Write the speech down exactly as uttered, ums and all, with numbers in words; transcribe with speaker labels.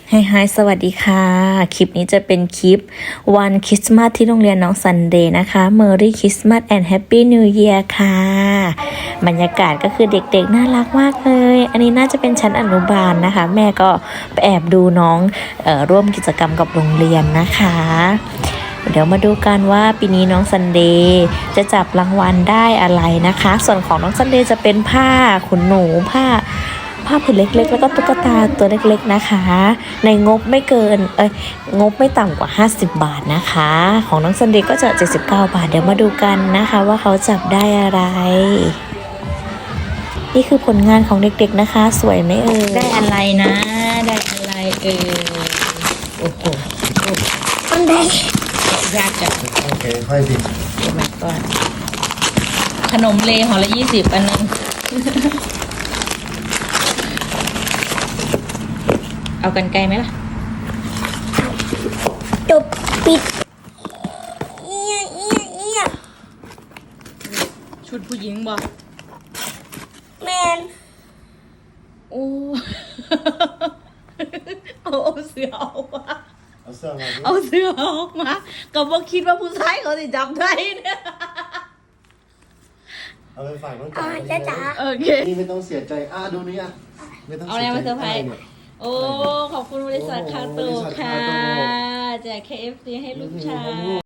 Speaker 1: ไฮไฮสวัสดีค่ะ คลิปนี้จะเป็นคลิปวันคริสต์มาสที่โรงเรียนน้องซันเดย์นะคะ Merry Christmas and Happy New Year ค่ะ บรรยากาศก็คือเด็กๆน่ารักมากเลย อันนี้น่าจะเป็นชั้นอนุบาลนะคะ แม่ก็ไปแอบดูน้องเอ่อร่วมกิจกรรมกับโรงเรียนนะคะ เดี๋ยวมาดูกันว่าปีนี้น้องซันเดย์จะจับรางวัลได้อะไรนะคะ ส่วนของน้องซันเดย์จะเป็นผ้าขนหนูผ้า ผ้าผืนเล็กๆแล้วก็ตุ๊กตาตัวเล็กๆนะคะ ในงบไม่เกินเอ้ยงบไม่ต่ำกว่าห้าสิบบาทนะคะ ของน้องซันเดย์ก็จะเจ็ดสิบเก้าบาทเดี๋ยวมาดูกันนะคะว่าเขาจับได้อะไร นี่คือผลงานของเด็กๆนะคะ สวยไหมเอ่ยได้อะไรนะ ได้อะไรเอ่ยโอ้โหมันได้ยากจัง
Speaker 2: โอเคค่อยสิ
Speaker 1: โอ้ my god ขนมเลห่อละยี่สิบอันนึง เอากันไกลไหมล่ะ
Speaker 3: จบปิดเอียเอียเอีย
Speaker 1: ชุดผู้หญิงบอก
Speaker 3: แมน
Speaker 1: โอ้ เอาเอาเสือออกมา
Speaker 2: เอาเสื้อมาดิ
Speaker 1: เอาเสือออกมาก็บ่คิดว่าผู้ชายเขาจะจำได้เนี่ย
Speaker 2: เอาไปฝากน้อง
Speaker 3: เอา
Speaker 2: จ๋า
Speaker 3: จ้าจ๋า
Speaker 1: โอเค
Speaker 2: นี่ไม่ต้องเสียใจอ่ะดูนี่อ่ะไม่ต้อง
Speaker 1: เอาอะไรมาเซอร์ไพรส์
Speaker 2: นี่ย
Speaker 1: โอ้ ขอบคุณบริษัทคาโต
Speaker 2: โอ้บริษัท
Speaker 1: ค่ะ
Speaker 2: คาโต
Speaker 1: แจก เค เอฟ ซี ให้ลูกชาย